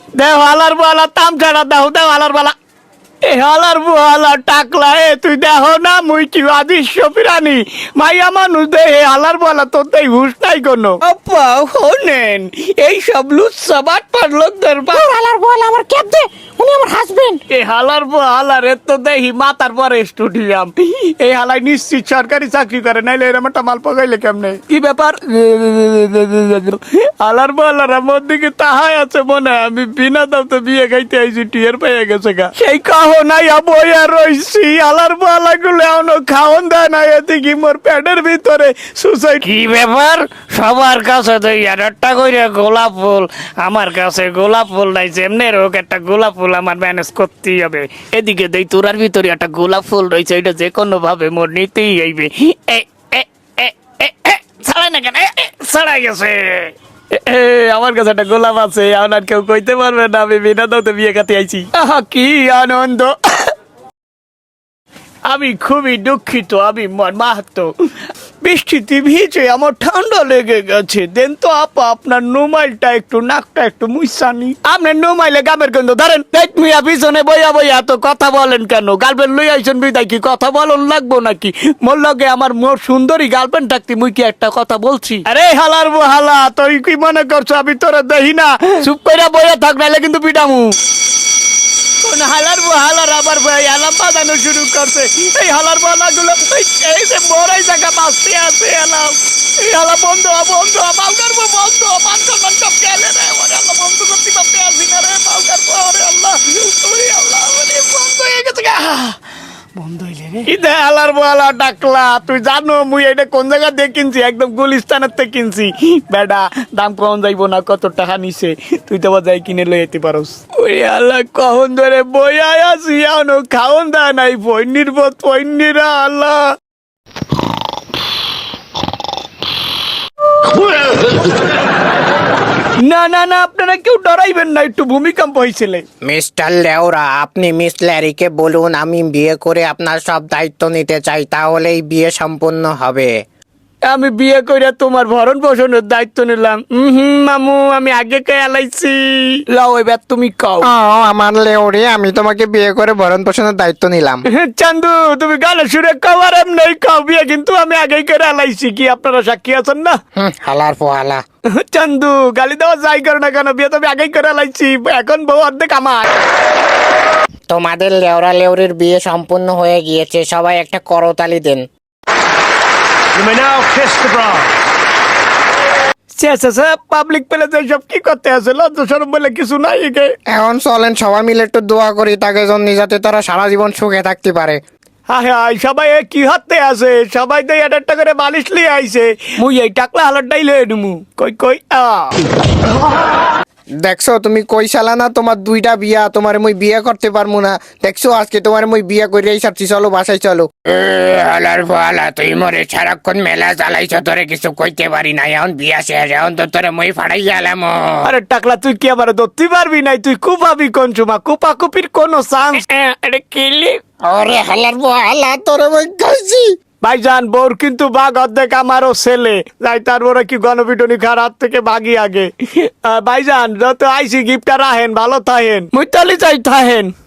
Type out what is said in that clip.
দেও হালার বালা তামছাড়া দেও হালার বালা এ হালার বুহালা টাকলা তুই দেহ না মুই কি আদিশ্য প্রাণী মাইয়া মানুষ দে হালার বলা তোর তাই হুশ নাই কোনো আপা শোনেন এই সব লুচ্ছা বাটপার লোকদের হালার বল আমার ক্যাপ দে, উনি আমার হাজবেন্ড। এই হালার হালার তো দেখি মাথার পরে স্টুডিয়াম এই হালাই নিশ্চিত সরকারি চাকরি করে নাইলে এরম একটা মাল পকাইলে কেমনে কি ব্যাপার হালার হালার আমার দিকে তাহাই আছে মনে হয় আমি বিনা দাম তো বিয়ে খাইতে আইছি টিয়ার পেয়ে গেছে গা সেই কাহ নাই বইয়া রইছি হালার হালা গুলো এখনো খাওন দেয় না এদিকে মোর পেটের ভিতরে সুসাইড কি ব্যাপার সবার কাছে তো একটা করে গোলাপ ফুল, আমার কাছে গোলাপ ফুল নাই, যেমনি হোক একটা গোলাপ ফুল আমার ম্যানেজ করতেই হবে। এদিকে দেই তোরার ভিতরে একটা গোলাপ ফুল রয়েছে, এটা যে কোনো ভাবে মোর নিতেই হইবে। ছাড়াই না কেন, ছাড়াই গেছে। আমার কাছে একটা গোলাপ আছে, আর কেউ কইতে পারবে না আমি বিনা দাওতে বিয়ে খাতে আইছি। আহা কি আনন্দ! আমি খুবই দুঃখিত, আমি মাহাতো বৃষ্টিতে ভিজে আমার ঠান্ডা লেগে গেছে। দেন তো আপা আপনার নোমাইলটা একটু নাকটা একটু মুইসানি। আপনার নোমাইলে গামের কিন্তু ধরেন দেখ মিয়া পিছনে বইয়া বইয়া তো কথা বলেন কেন? গার্লফ্রেন্ড লই আইছেন বিদায় কি কথা বলন লাগবো নাকি? মোর লগে আমার মোর সুন্দরী গার্লফ্রেন্ড থাকতে মুই কি একটা কথা বলছি? আরে হালার হালা তুই কি মনে করছো আমি তোরা দেখি না? চুপ কইরা বইয়া থাক নাইলে কিন্তু পিটামু। হালার হালার আবার অ্যালার্ম বাজানো শুরু করছে। এই হালার বালাগুলো এই যে মোরাই জায়গা বাঁচতে আছে অ্যালার্ম। এই হালা বন্ধ বন্ধ বাউকার বন্ধ বান্ধব গেলে রে ওরে আল্লাহ বন্ধ করতে পারতে আসি না রে বাউকার ওরে আল্লাহ ওরে আল্লাহ ওরে বন্ধ হয়ে গেছে গা। বন্ধ হইলে রে ইদে হালার বালা ডাকলা। তুই জানো মুই এটা কোন জায়গা দিয়ে কিনছি? একদম গুলিস্তানের থেকে কিনছি বেডা। দাম কম যাইবো না, কত টাকা নিছে তুই তো যাই কিনে লই যেতে পারোস। ওরে আল্লাহ কখন ধরে বইয়া আছি এখনো খাওন দেয় নাই পৈনির বোধ পৈনিরা আল্লাহ। না না না আপনারা কেউ ডরাইবেন না, একটু ভূমিকম্প হয়েছিল। মিস্টার লেওরা, আপনি মিস ল্যারিকে বলুন আমি বিয়ে করে আপনার সব দায়িত্ব নিতে চাই, তাহলেই বিয়ে সম্পূর্ণ হবে। আমি বিয়ে করে তোমার ভরণ পোষণের দায়িত্ব নিলাম। মামু আমি আগে কে এলাইছি। লাও এবার তুমি কাও। আমার লেওরে, আমি তোমাকে বিয়ে করে ভরণ পোষণের দায়িত্ব নিলাম। চান্দু তুমি গালে সুরে কাও আর এমনি কাও। বিয়ে কিন্তু আমি আগেই করে এলাইছি, কি আপনারা সাক্ষী আছেন না? হালার পোহালা। চান্দু গালি দেওয়া যাই করে না কেন, বিয়ে তো আমি আগেই করে এলাইছি, এখন বউ অর্ধেক আমার। তোমাদের লেওরা লেওরির বিয়ে সম্পূর্ণ হয়ে গিয়েছে, সবাই একটা করতালি দেন। You may now kiss the bride. Public প্লেসে সব কি করতে আছে? লজ্জা শরম বলে কিছু নাই। এখন চলেন সবাই মিলে একটু দোয়া করি তাকে জন্য, যাতে তারা সারা জীবন সুখে থাকতে পারে। হায় হায় সবাই কি হাতে আছে? সবাই তো একটা করে বালিশ লিয়ে আইছে। মুই এই টাকলা হালারটাই লয়ে নেবো। কই কই দেখছো তুমি কই সালা না তোমার দুইটা বিয়া, তোমার মুই বিয়ে করতে পারবো না। দেখছো আজকে তোমার মুই বিয়ে কইরাই সারছি, চলো বাসায় চলো। হালার ফালা তুই মরে সারাক্ষণ মেলা চালাইছ, তোরে কিছু কইতে পারি না। এখন বিয়া শেষ, এখন তো তোরে মই ফাড়াই গেলাম। আরে টাকলা তুই কি আবার ধরতে পারবি নাই? তুই কুপাবি কোন সময়? কুপাকুপির কোনো চান্স? এটা কিলি আরে হালার হালা তোরে মুই খাইছি। ভাইজান বোর কিন্তু বাঘ অর্ধেক আমারও ছেলে। যাই তারপরে কি গণপিটনি খার হাত থেকে বাগি আগে। ভাইজান যত আইসি গিফটটা রাহেন, ভালো থাহেন। মুইতালি চাই থাহেন।